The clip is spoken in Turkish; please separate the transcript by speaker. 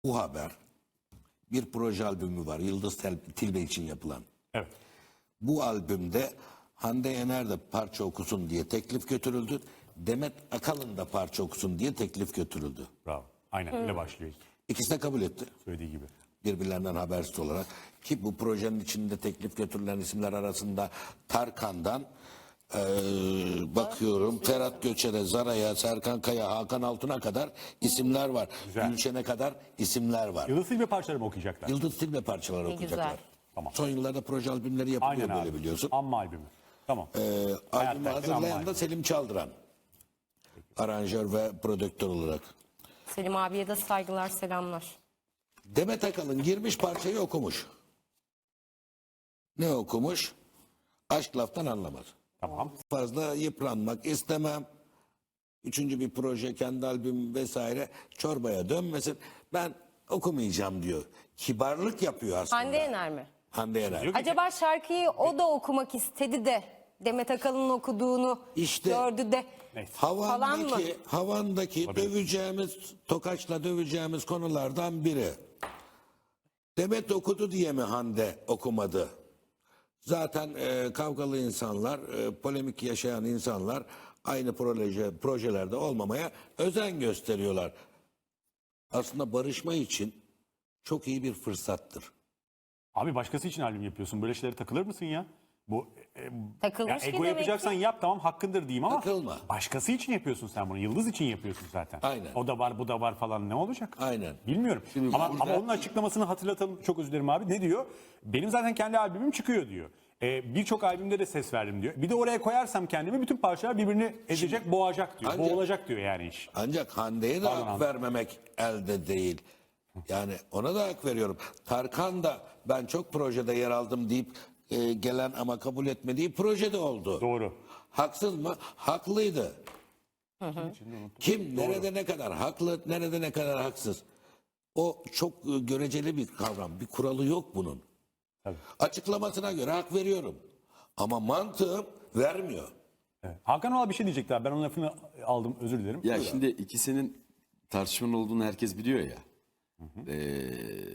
Speaker 1: Bu haber bir proje albümü var. Yıldız Tilbe için yapılan.
Speaker 2: Evet.
Speaker 1: Bu albümde Hande Yener de parça okusun diye teklif götürüldü. Demet Akalın da parça okusun diye teklif götürüldü.
Speaker 2: Bravo. Aynen öyle başlıyor.
Speaker 1: İkisi de kabul etti.
Speaker 2: Söylediği gibi.
Speaker 1: Birbirlerinden habersiz olarak. Ki bu projenin içinde teklif götürülen isimler arasında Tarkan'dan bakıyorum Ferhat Göçer'e, Zara'ya, Serkan Kaya, Hakan Altun'a kadar isimler var.
Speaker 2: Güzel.
Speaker 1: Gülşen'e kadar isimler var.
Speaker 2: Yıldız Tilbe parçaları mı okuyacaklar?
Speaker 1: Yıldız Tilbe parçaları
Speaker 3: Ne
Speaker 1: okuyacaklar.
Speaker 3: güzel.
Speaker 2: Tamam.
Speaker 1: Son yıllarda proje albümleri yapılıyor
Speaker 2: Aynen
Speaker 1: böyle
Speaker 2: abi.
Speaker 1: biliyorsun.
Speaker 2: Amma albümü. Tamam.
Speaker 1: Albümü
Speaker 2: Hayat
Speaker 1: hazırlayan
Speaker 2: Amma
Speaker 1: da Selim Çaldıran. Aranjör ve prodüktör olarak.
Speaker 3: Selim abiye de saygılar, selamlar.
Speaker 1: Demet Akalın girmiş parçayı okumuş. Ne okumuş? Aşk laftan anlamaz.
Speaker 2: Tamam.
Speaker 1: Fazla yıpranmak istemem. Üçüncü bir proje, kendi albüm vesaire çorbaya dönmesin. Ben okumayacağım diyor. Kibarlık yapıyor aslında.
Speaker 3: Hande Yener mi?
Speaker 1: Hande Yener.
Speaker 2: Yok.
Speaker 3: Acaba şarkıyı o da okumak istedi de Demet Akalın'ın okuduğunu
Speaker 1: İşte
Speaker 3: gördü de
Speaker 2: Neyse.
Speaker 3: Falan mı?
Speaker 1: Havandaki döveceğimiz, tokaçla döveceğimiz konulardan biri. Demet okudu diye mi Hande okumadı? Zaten kavgalı insanlar, polemik yaşayan insanlar aynı projelerde olmamaya özen gösteriyorlar. Aslında barışma için çok iyi bir fırsattır.
Speaker 2: Abi başkası için albüm yapıyorsun. Böyle şeylere takılır mısın ya? Bu
Speaker 3: Takılmış ki
Speaker 2: ego
Speaker 3: demek
Speaker 2: yapacaksan
Speaker 3: ki.
Speaker 2: yap, tamam, hakkındır diyeyim ama
Speaker 1: Takılma.
Speaker 2: başkası için yapıyorsun sen bunu. Yıldız için yapıyorsun zaten.
Speaker 1: Aynen.
Speaker 2: O da var, bu da var falan, ne olacak?
Speaker 1: Aynen.
Speaker 2: Bilmiyorum.
Speaker 1: Şimdi
Speaker 2: Ama
Speaker 1: burada-
Speaker 2: onun açıklamasını hatırlatalım. Çok özür dilerim abi. Ne diyor? Benim zaten kendi albümüm çıkıyor diyor. Birçok albümde de ses verdim diyor. Bir de oraya koyarsam kendimi bütün parçalar birbirini ezecek, boğacak diyor.
Speaker 1: Ancak-
Speaker 2: Boğulacak diyor yani iş.
Speaker 1: Ancak Hande'ye de
Speaker 2: Pardon
Speaker 1: hak
Speaker 2: abi.
Speaker 1: vermemek elde değil. Yani ona da hak veriyorum. Tarkan da ben çok projede yer aldım deyip gelen ama kabul etmediği projede oldu.
Speaker 2: Doğru.
Speaker 1: Haksız mı? Haklıydı. Kim nerede ne kadar haklı, nerede ne kadar haksız. O çok göreceli bir kavram. Bir kuralı yok bunun.
Speaker 2: Tabii.
Speaker 1: Açıklamasına göre hak veriyorum. Ama mantığım vermiyor.
Speaker 2: Evet. Hakan Oral bir şey diyecekti abi. Ben onun lafını aldım. Özür dilerim.
Speaker 4: Ya şimdi ikisinin tartışmanın olduğunu herkes biliyor ya.